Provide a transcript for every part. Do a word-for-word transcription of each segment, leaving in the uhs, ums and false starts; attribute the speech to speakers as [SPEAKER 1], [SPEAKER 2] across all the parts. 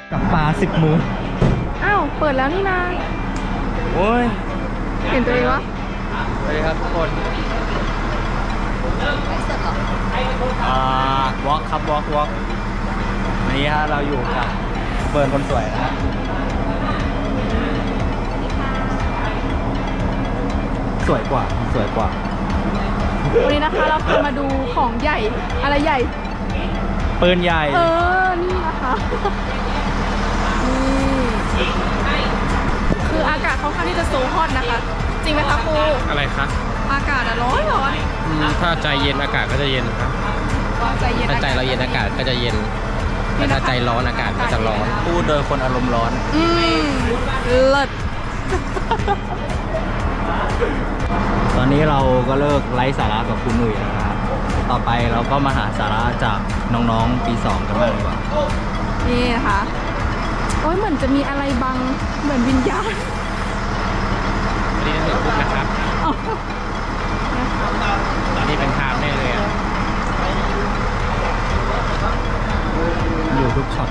[SPEAKER 1] กับปลาสิบมือ
[SPEAKER 2] อ้าวเปิดแล้วนี่นา
[SPEAKER 1] โอ้ย
[SPEAKER 2] เห็นตัวเองวะ
[SPEAKER 1] สวัสดีครับทุกคนอ่าวอล์กครับวอล์กวอล์กนี้ฮะเราอยู่กับเฟิร์นคนสวยนะฮะสวยกว่าสวยกว่า
[SPEAKER 2] วันนี้นะคะเราพามาดูของใหญ่อะไรใหญ่
[SPEAKER 1] ปืนใหญ่
[SPEAKER 2] เออนี่นะคะนี่คืออากาศค่อนข้างที่จะโซฮอตนะคะจริงไหมคะครู
[SPEAKER 3] อะไรคะ
[SPEAKER 2] อากาศอะร้อนร้อน
[SPEAKER 3] ถ้าใจเย็นอากาศก็จะเย็นครับ
[SPEAKER 2] ใจเย็น
[SPEAKER 3] ถ้าใจเราเย็นอากาศก็จะเย็นแต่ถ้าใจร้อนอากาศก็จะร้อน
[SPEAKER 1] พูดโดยคนอารมณ์ร้อน
[SPEAKER 2] อืมเลิศ
[SPEAKER 1] ตอนนี้เราก็เลิกไร้สาระกับคุณหนุ่ยแล้วนะครับต่อไปเราก็มาหาสาระจากน้องๆปีสองกันบ้างดีกว่า
[SPEAKER 2] นี่นะคะโอ้ยเหมือนจะมีอะไรบังเหมือนวิญญาณ
[SPEAKER 3] วันนี้ถึงปุ๊บนะครับตอนนี้เป็นทางแน่เลยอ่ะ
[SPEAKER 1] อยู่ทุกช็อต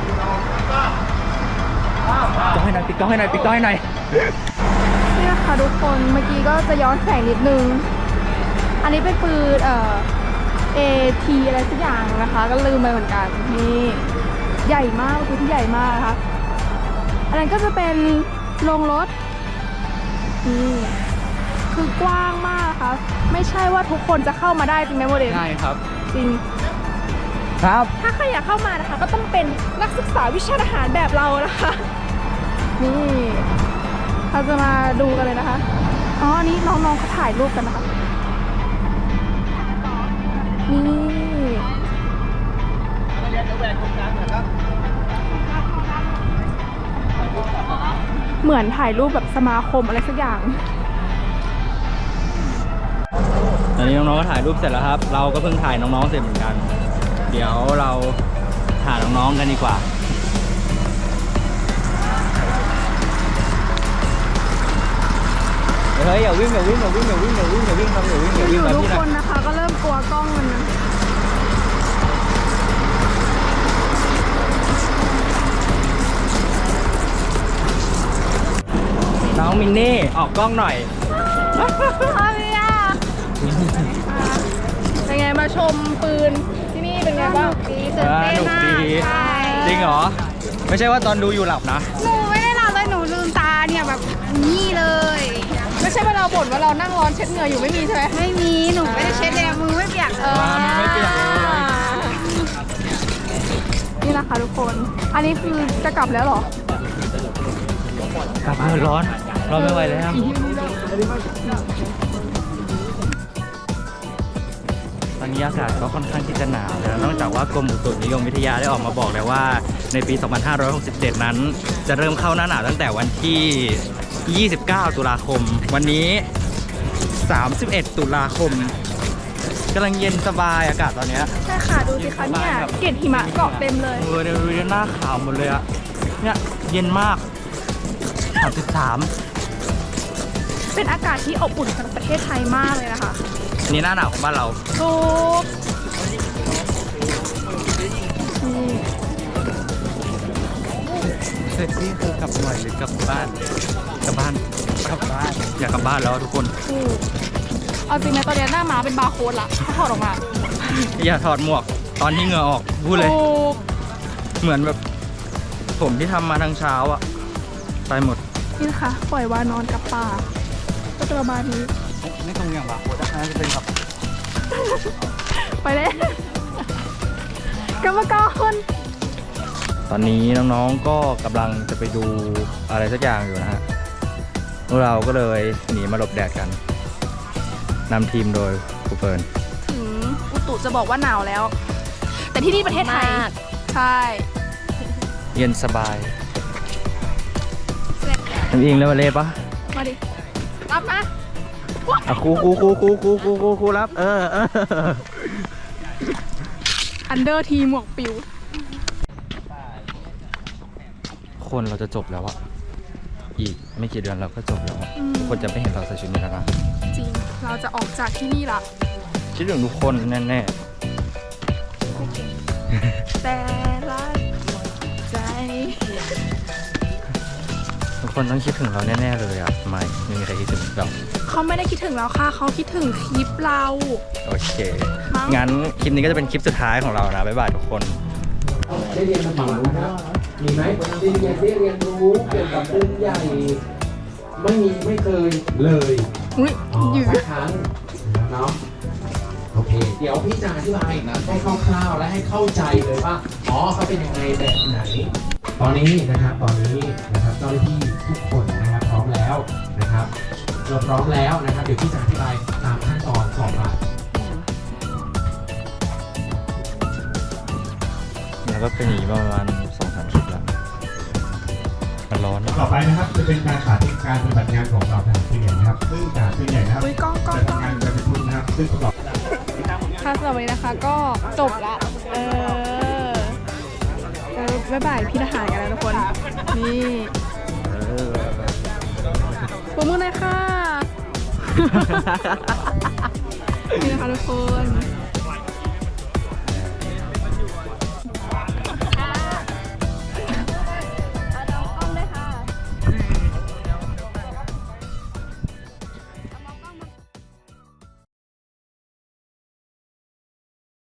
[SPEAKER 1] ก็ให้หน่อยปิดก็ให้หน่อยปิดก็ให้หน่อย
[SPEAKER 2] นี่นะคะทุกคนเมื่อกี้ก็จะย้อนแสงนิดนึงอันนี้เป็นปืนเอ่อ เอ ที อะไรสักอย่างนะคะก็ลืมไปเหมือนกันนี่ใหญ่มากคือที่ใหญ่มากนะคะอันนั้นก็จะเป็นโรงรถนี่คือกว้างมากนะคะไม่ใช่ว่าทุกคนจะเข้ามาได้จริงไหมโมเดล
[SPEAKER 1] ใช่ครับ
[SPEAKER 2] จริง
[SPEAKER 1] ครับ
[SPEAKER 2] ถ้าใครอยากเข้ามานะคะก็ต้องเป็นนักศึกษาวิชาทหารแบบเรานะคะนี่เราจะมาดูกันเลยนะคะอ๋ออันนี้น้องๆเขาถ่ายรูปกันนะคะนี่เหมือนถ่ายรูปแบบสมาคมอะไรสักอย่าง
[SPEAKER 1] ตอนนี้น้องๆก็ถ่ายรูปเสร็จแล้วครับเราก็เพิ่งถ่ายน้องๆเสร็จเหมือนกันเดี๋ยวเราถ่ายน้องๆกันดีกว่าเฮ้ยอย่าวิ่งอย่าวิ่งอย่าวิ่งอย่าวิ่งอย่าวิ่งอย่าวิ่งครับอย่าวิ่งอย่าวิ่ง
[SPEAKER 2] ทุกคนนะคะก็เริ่มกลัวกล้องมันนะ
[SPEAKER 1] น้องมินนี่ออกกล้องหน่อย
[SPEAKER 2] อะไรอ่ะเป็นไงมาชมปืนที่นี่เป็นไงบ้าง
[SPEAKER 1] ดีตื่นเต้นมากจริงเหรอไม่ใช่ว่าตอนดูอยู่หลับนะ
[SPEAKER 2] หนูไม่ได้หลับเลยหนูลืมตาเนี่ยแบบนี่เลยไม่ใช่ว่าเราบ่นว่าเรานั่งร้อนเช็ดเหงื่ออยู่ไม่มีใช่ไหมไม่มีหนูไม่ได้เช็ดเลยมือไม่เปียกเออ
[SPEAKER 1] ไม่เปียก
[SPEAKER 2] นี่นะคะทุกคนอันนี้คือจะกลับแล้วหร
[SPEAKER 1] อกลับเลยร้อนร้อนไม่ไหวแล้วตอนนี้อากาศก็ค่อนข้างที่จะหนาวแล้วนอกจากว่ากรมอุตุนิยมวิทยาได้ออกมาบอกแล้วว่าในปี สองพันห้าร้อยหกสิบเจ็ด นั้นจะเริ่มเข้าหน้าหนาวตั้งแต่วันที่ ยี่สิบเก้า ตุลาคมวันนี้ สามสิบเอ็ด ตุลาคมกำลังเย็นสบายอากาศตอนนี้
[SPEAKER 2] ใช่ค่ะดูสิคะเนี่ยเกล็ดหิมะเกาะเต็มเลย
[SPEAKER 1] เออเดี๋ยวดูหน้าขาวหมดเลยอะเนี่ยเย็นมากสามสิบสาม
[SPEAKER 2] เป็นอากาศที่อบอุ่นสำหรับประเทศไทยมากเลยนะคะ
[SPEAKER 1] นี่หน้าหนาวของบ้านเรา
[SPEAKER 2] ถูก
[SPEAKER 1] เสร็จที่คือกลับหน่อยหรือกลับบ้านกลับบ้านกลับบ้านอยากกลับบ้านแล้วทุกคน
[SPEAKER 2] เอาจริงนะตอนนี้หน้าม้าเป็นบาร์โค้ดละถ้าถอดออกมา
[SPEAKER 1] อย่าถอดหมวกตอนที่เหงื่อออกพูดเลยเหมือนแบบผมที่ทำมาทั้งเช้าอะไปหมด
[SPEAKER 2] นี่ค่ะปล่อยวานอนกับป่าก็จะประมาณนี้
[SPEAKER 1] ไม่ตรงอย่างบาร์โค้ดนะจะเป็นแบบ
[SPEAKER 2] ไปเลยกรรมการ
[SPEAKER 1] ตอนนี้น้องๆก็กำลังจะไปดูอะไรสักอย่างอยู่นะฮะพวกเราก็เลยหนีมาหลบแดดกันนำทีมโดยครูเฟิร์น
[SPEAKER 2] ถึงอุตุจะบอกว่าหนาวแล้วแต่ที่นี่ประเทศไทยใช่
[SPEAKER 1] เย็นสบายทำเองแล้วมาเล่ปะ
[SPEAKER 2] มาดิรับนะ
[SPEAKER 1] อ่ะครูครูครูครูครูครูครูครูรับเออเออ
[SPEAKER 2] อันเดอร์ทีหมวกปิว
[SPEAKER 1] คนเราจะจบแล้วอะอีกไม่กี่เดือนเราก็จบแล้วคนจะไม่เห็นเราใส่ชุดนี้แล้วนะ
[SPEAKER 2] จริงเราจะออกจากที่นี่ละ
[SPEAKER 1] คิดถึงทุกคนแน่
[SPEAKER 2] ๆแต่ละใจ
[SPEAKER 1] คนต้องคิดถึงเราแน่ๆเลยอ่ะไม่ไม่มีใครคิดถึงเรา
[SPEAKER 2] เขาไม่ได้คิดถึงเราค่ะเขาคิดถึงคลิปเรา
[SPEAKER 1] โอเค งั้นคลิปนี้ก็จะเป็นคลิปสุดท้ายของเรานะ บ๊ายบายทุกคน
[SPEAKER 4] ได้เรียนมาก่อนนะครับ มีไหมได้เรียนได้เรียนรู้เกี่ยวกับปืนใหญ่ ไม่มีไม่เคยเลย
[SPEAKER 2] อุ้ย
[SPEAKER 4] อ๋อ
[SPEAKER 2] ยืด
[SPEAKER 4] สักครั้งเนาะโอเค เดี๋ยวพี่จะอธิบายนะให้คร่าวๆและให้เข้าใจเลยว่า อ๋อเขาเป็นยังไงแบบไหน ตอนนี้นะครับ ตอนนี้นะครับเจ้าหน้าที่ทุกคนนะครับพร้อมแล้วนะครับเราพร้อมแล้วนะครับ เดี๋ยวพี่จะอธิบายตามขั้นตอนต่อไป
[SPEAKER 1] แล้วก็เป็นอย่างนี้ประมาณสองสามคลิปแล้ว มันร้อน
[SPEAKER 5] ต่อไปนะครับจะเป็นการสาธิตการปฏิบัติงานของเราทางผู้ใหญ่นะครับซึ่งการผู้ใหญ่นะครับ
[SPEAKER 2] อุ้ยกล้องกล้อง
[SPEAKER 5] จะ
[SPEAKER 2] กล้อง
[SPEAKER 5] ทำงานโดยเป็นทุนนะครับซึ่งประกอบ
[SPEAKER 2] ค่ะสำหรับวันนี้นะคะก็จบละ เออเออบ๊ายบายพี่ทหารกันแล้วทุกคน นี่ปรบมือหน่อยค่ะ นี่นะคะทุกคน